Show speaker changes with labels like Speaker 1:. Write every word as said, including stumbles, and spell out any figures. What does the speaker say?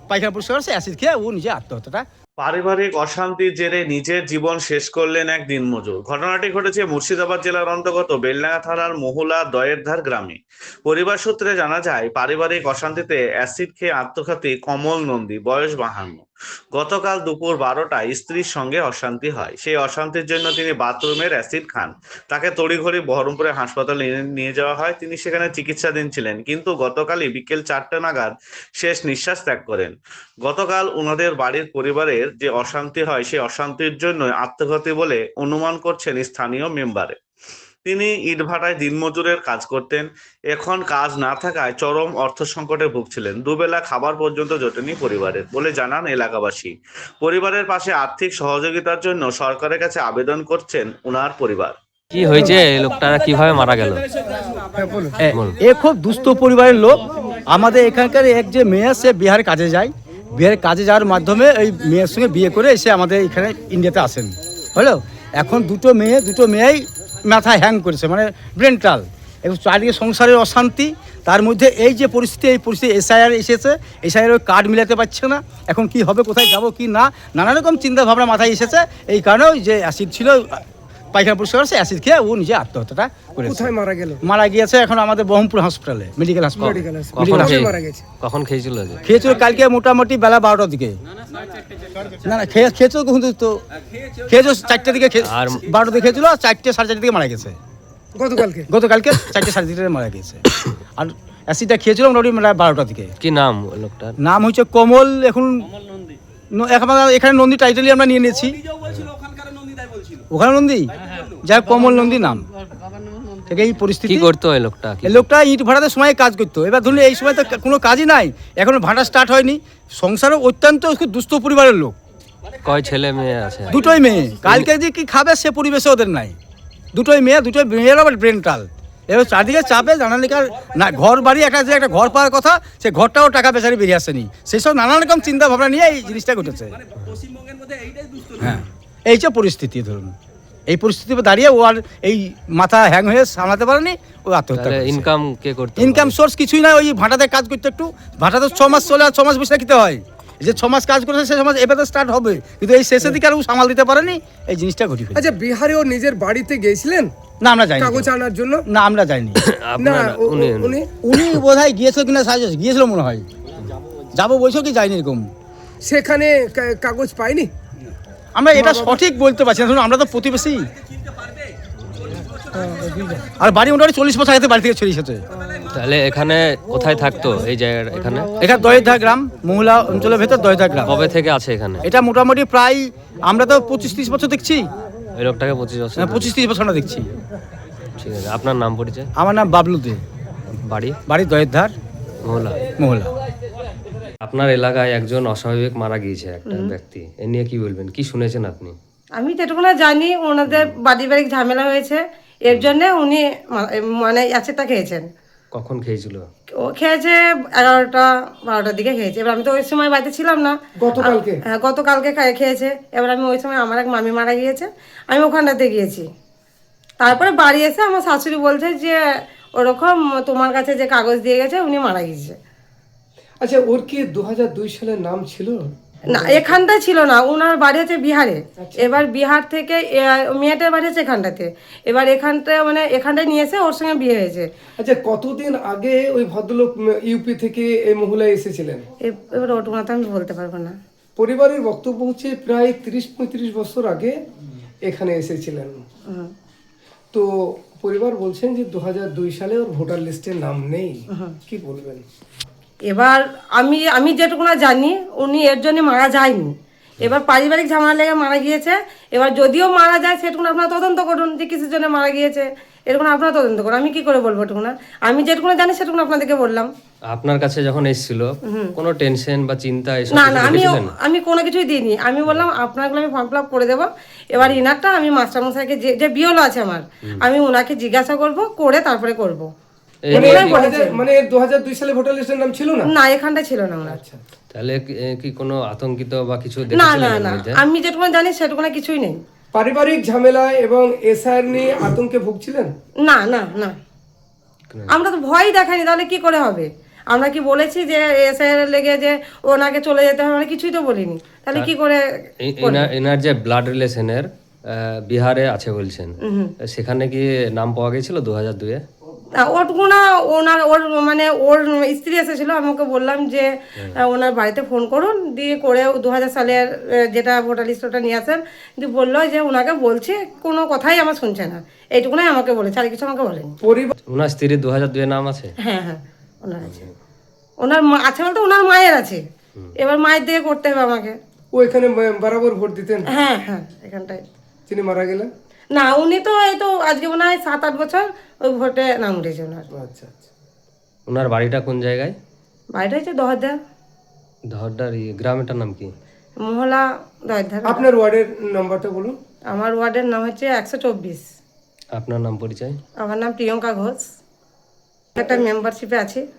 Speaker 1: পায়খানা পরিষ্কার করছে, অ্যাসিড খেয়ে ও নিজে আত্মহত্যাটা।
Speaker 2: পারিবারিক অশান্তির জেরে নিজের জীবন শেষ করলেন এক দিনমজুর। ঘটনাটি ঘটেছে মুর্শিদাবাদ জেলার অন্তর্গত বেলডাঙ্গা থানার মহুলা দয়েরধার গ্রামে। পরিবার সূত্রে জানা যায়, পারিবারিক অশান্তিতে অ্যাসিড খেয়ে আত্মঘাতী কমল নন্দী, বয়স বাহান্ন। গতকাল দুপুর বারোটায় স্ত্রীর সঙ্গে অশান্তি হয়। সেই অশান্তির জন্য তিনি বাথরুমের অ্যাসিড খান। তাকে তড়িঘড়ি বহরমপুরে হাসপাতালে নিয়ে যাওয়া হয়। তিনি সেখানে চিকিৎসাধীন ছিলেন, কিন্তু গতকালই বিকেল চারটে নাগাদ শেষ নিঃশ্বাস ত্যাগ করেন। গতকাল ওনাদের বাড়ির পরিবারের যে অশান্তি হয়, সেই অশান্তির জন্য আত্মঘাতী বলে অনুমান করছেন স্থানীয় মেম্বারে। তিনি ইটভাটায় দিনমজুরের কাজ করতেন। এখন কাজ না থাকায় চরম অর্থ সংকটে ভুগছিলেন। দুবেলা খাবার পর্যন্ত জোটেনি পরিবারের বলে জানান এলাকাবাসী। পরিবারের পাশে আর্থিক সহযোগিতার জন্য সরকারের কাছে আবেদন করছেন ওনার পরিবার।
Speaker 3: কি হয়েছে, লোকটারা কিভাবে মারা গেল?
Speaker 1: এ খুব দুস্থ পরিবারের লোক। আমাদের এখানকার এক যে মেয়ে, সে বিহারে কাজে যায়। বিহারে কাজে যাওয়ার মাধ্যমে ওই মেয়ের সঙ্গে বিয়ে করে এসে আমাদের এখানে ইন্ডিয়াতে আসেন। হলো, এখন দুটো মেয়ে দুটো মেয়েই মাথায় হ্যাং করেছে, মানে ব্রেনটাল। এবং চারিদিকে সংসারের অশান্তি, তার মধ্যে এই যে পরিস্থিতি, এই পরিস্থিতি এসআইআর এসেছে, এসআইআর ওই কার্ড মিলাতে পারছে না। এখন কি হবে, কোথায় যাব কি না, নানা রকম চিন্তা ভাবনা মাথায় এসেছে। এই কারণে ওই যে অ্যাসিড ছিল, পায়খানা পরিষ্কার করছে, অ্যাসিড খেয়ে ও নিজে আত্মহত্যাটা করেছে।
Speaker 4: কোথায় মারা গেল?
Speaker 1: মারা গিয়েছে এখন আমাদের বহরমপুর হসপিটালে, মেডিকেল হাসপাতালে।
Speaker 3: কখন খেয়েছিল?
Speaker 1: খেয়েছিল কালকে মোটামুটি বেলা বারোটার দিকে। না না খেয়ে খেয়েছিল কিন্তু তো খেয়েছিল চারটের দিকে, আর বারোটার দিকে খেয়েছিল, আর চারটে সাড়ে চারটে দিকে মারা গেছে।
Speaker 4: গতকালকে
Speaker 1: গতকালকে চারটে সাড়ে চারটে মারা গেছে। আর অ্যাসিডটা খেয়েছিল মোটামুটি বারোটার দিকে।
Speaker 3: কি নাম লোকটার?
Speaker 1: নাম হচ্ছে কমল। এখন এখানে নন্দী টাইটেলই আমরা নিয়ে নিয়েছি। ওখানে নন্দী, যাই কমল নন্দী নাম। এই পরিস্থিতি
Speaker 3: কি করতো এই লোকটা?
Speaker 1: এই লোকটা ইট ভাড়াতে সময় কাজ করতো। এবার ধরুন এই সময় তো কোনো কাজই নাই, এখন ভাড়া স্টার্ট হয়নি। সংসারও অত্যন্ত খুব দুস্থ পরিবারের লোক।
Speaker 3: কয় ছেলে মেয়ে আছে?
Speaker 1: দুটোই মেয়ে। কালকে যে কি খাবে সে পরিবেশে ওদের নাই। দুটোই মেয়ে, দুটোই মেয়ের আবার ব্রেনটাল। এবার চারদিকে চাপে জানালিকার না, ঘর বাড়ি একটা যে একটা ঘর পাওয়ার কথা, সে ঘরটাও টাকা বেচারি বেরিয়ে আসেনি। সেই সব নানা রকম চিন্তা ভাবনা নিয়ে এই জিনিসটা ঘটেছে। হ্যাঁ, এই যে পরিস্থিতি, ধরুন এই পরিস্থিতিতে দাঁড়িয়ে ও আর এই মাথা হ্যাং হয়ে সামলাতে পারেনি, ও আত্মহত্যা করেছে।
Speaker 3: ইনকাম কে করতো?
Speaker 1: ইনকাম সোর্স কিছুই না, ওই ভাটাতে কাজ করতে, একটু ভাটাতে ছ মাস চলে, আর ছ মাস বসে খেতে হয়। যে ছ মাস কাজ করেছে সে ছ মাস এবারে স্টার্ট হবে, কিন্তু এই শেষের দিকে আর ও সামাল দিতে পারেনি, এই জিনিসটা ঘটে।
Speaker 4: আচ্ছা, বিহারে ও নিজের বাড়িতে গিয়েছিলেন?
Speaker 1: না, আমরা যাইনি
Speaker 4: কাগজ আনার জন্য।
Speaker 1: না, আমরা যাইনি।
Speaker 4: না, উনি
Speaker 1: উনি বোধহয় গিয়েছিল কিনা, সাহায্য গিয়েছিল মনে হয়, যাবো বলছো কি যায়নি এরকম।
Speaker 4: সেখানে কাগজ পাইনি।
Speaker 1: আমরা এটা সঠিক বলতে পারছি না, আমরা তো প্রতিবেশী। আর বাড়ি মোটামুটি চল্লিশ বছর আগে বাড়ি থেকে ছড়িয়ে এসেছে।
Speaker 3: তাহলে এখানে কোথায় থাকতো এই জায়গাটা? এখানে
Speaker 1: এখানে দয়েরধা গ্রাম, মহুলা অঞ্চলের ভেতর দয়েরধা গ্রাম।
Speaker 3: কবে থেকে আছে এখানে?
Speaker 1: এটা মোটামুটি প্রায় আমরা তো পঁচিশ ত্রিশ বছর দেখছি।
Speaker 3: এই লোকটাকে পঁচিশ বছর?
Speaker 1: পঁচিশ ত্রিশ বছর আমরা দেখছি।
Speaker 3: ঠিক আছে, আপনার নাম পরিচয়?
Speaker 1: আমার নাম বাবলু দে,
Speaker 3: বাড়ি?
Speaker 1: বাড়ি দয়েরধার,
Speaker 3: মহুলা।
Speaker 1: মহুলা।
Speaker 3: আপনার এলাকায় একজন অস্বাভাবিক মারা গিয়েছে একটা ব্যক্তি, এ নিয়ে কি বলবেন? কি শুনেছেন আপনি?
Speaker 5: আমি যেটুকু না জানি, ওনাদের পারিবারিক ঝামেলা হয়েছে, এর জন্য উনি মানে অ্যাসিডটা খেয়েছেন।
Speaker 3: কখন খেয়েছিল?
Speaker 5: ও খেয়েছে এগারোটা বারোটার দিকে খেয়েছে। এবার আমি তো ওই সময় বাড়িতে ছিলাম না।
Speaker 4: গতকালকে?
Speaker 5: হ্যাঁ, গতকালকে খেয়েছে। এবার আমি ওই সময়, আমার এক মামি মারা গিয়েছে, আমি ওখানটাতে গিয়েছি। তারপরে বাড়ি এসে আমার শাশুড়ি বলছে যে ওরকম তোমার কাছে যে কাগজ দিয়ে গেছে উনি মারা গিয়েছে।
Speaker 4: আচ্ছা, ওর কি দু হাজার দুই সালের নাম ছিল?
Speaker 5: না, এখানটায় ছিল না, ওনার বাড়ি হচ্ছে বিহারে। এবার বিহার থেকে মেয়েটার বাড়ি হচ্ছে এখানটাতে। এবার এখানটায় মানে এখানটায় নিয়ে এসে ওর সঙ্গে বিয়ে হয়েছে।
Speaker 4: আচ্ছা, কতদিন আগে ওই ভদ্রলোক ইউপি থেকে এই মহিলায় এসেছিলেন?
Speaker 5: এবার ওটুকুনা তো আমি বলতে পারবো না।
Speaker 4: পরিবারের বক্তব্য হচ্ছে প্রায় তিরিশ পঁয়ত্রিশ বছর আগে এখানে এসেছিলেন। তো পরিবার বলছেন যে দু হাজার দুই সালে ওর ভোটার লিস্টের নাম নেই। কি বলবেন?
Speaker 5: এবার আমি আমি যেটুকুনা জানি উনি এর জন্য মারা যায়নি। এবার পারিবারিক ঝামেলা লেগে মারা গিয়েছে। এবার যদিও মারা যায় সেটুকুন আপনারা তদন্ত করুন যে কিসের জন্য মারা গিয়েছে, এরকম আপনারা তদন্ত করুন। আমি কি করে বলবো এটুকুনা? আমি যেটুকুনা জানি সেটুকুন আপনাদেরকে বললাম।
Speaker 3: আপনার কাছে যখন এসেছিল কোনো টেনশন বা চিন্তা এসব
Speaker 5: না না, আমি আমি কোনো কিছুই দিইনি। আমি বললাম আপনাগুলো আমি ফর্ম ফিল আপ করে দেবো। এবার ইনারটা আমি মাস্টারমশাইকে যে যে বিওলো আছে আমার, আমি ওনাকে জিজ্ঞাসা করব, করে তারপরে করব।
Speaker 4: মানে দু হাজার দুই সালে ভোটার লিস্টের নাম ছিল না?
Speaker 5: না, এখানটা ছিল না ওনার।
Speaker 4: আচ্ছা,
Speaker 3: তাহলে কি কোনো আতঙ্কিত বা কিছু
Speaker 5: না না না, আমি যেটুকু জানি সেটুকু কিছুই নেই।
Speaker 4: পারিবারিক ঝামেলা এবং এসআইআর নিয়ে আতঙ্কে ভুগছিলেন?
Speaker 5: না না না, আমরা তো ভয় দেখাইনি, তাহলে কি করে হবে? আমরা কি বলেছি যে এসে লেগে যে ওনাকে চলে যেতে হবে, আমরা কিছুই তো বলিনি, তাহলে কি করে
Speaker 3: এ- এনার- এনার যে ব্লাড রিলেশনের বিহারে আছে বলছেন, সেখানে কি নাম পাওয়া গেছিল দু হাজার দুয়ে?
Speaker 5: না, ওটুকু না, ওনার ওর মানে ওর স্ত্রী এসেছিল, আমি ওকে বললাম যে আহ, ওনার বাড়িতে ফোন করুন, দিয়ে করে দু হাজার সালের আহ, যেটা ভোটার লিস্ট ওটা নিয়ে আসেন, দিয়ে বললো যে ওনাকে বলছে, কোনো কথাই আমার শুনছে না, এইটুকুনাই আমাকে বলেছে, আর কিছু আমাকে বলেনি।
Speaker 4: পরিবার
Speaker 3: ওনার স্ত্রীর দু হাজার দুয়ে নাম আছে?
Speaker 5: হ্যাঁ হ্যাঁ ওনার আছে, ওনার মা আছে বলতে ওনার মায়ের আছে, এবার মায়ের দিকে করতে হবে আমাকে।
Speaker 4: ও এখানে বরাবর ভোট দিতেন,
Speaker 5: হ্যাঁ হ্যাঁ এখানটায়।
Speaker 4: তিনি মারা গেলেন।
Speaker 5: না উনি তো এই তো আজকে মনে হয় সাত আট বছর ওই ভোটে নাম উঠেছে ওনার।
Speaker 4: আচ্ছা আচ্ছা।
Speaker 3: ওনার বাড়িটা কোন জায়গায়?
Speaker 5: বাড়িটা হচ্ছে দহরদা,
Speaker 3: ধরডার ই- গ্রামটার নাম কি?
Speaker 5: মহলা দহরদা।
Speaker 4: আপনার ওয়ার্ডের নাম্বারটা বলুন।
Speaker 5: আমার ওয়ার্ডের নাম হচ্ছে একশো চব্বিশ।
Speaker 3: আপনার নাম পরিচয়?
Speaker 5: আমার নাম প্রিয়ঙ্কা ঘোষ, একটা মেম্বারশিপে আছি।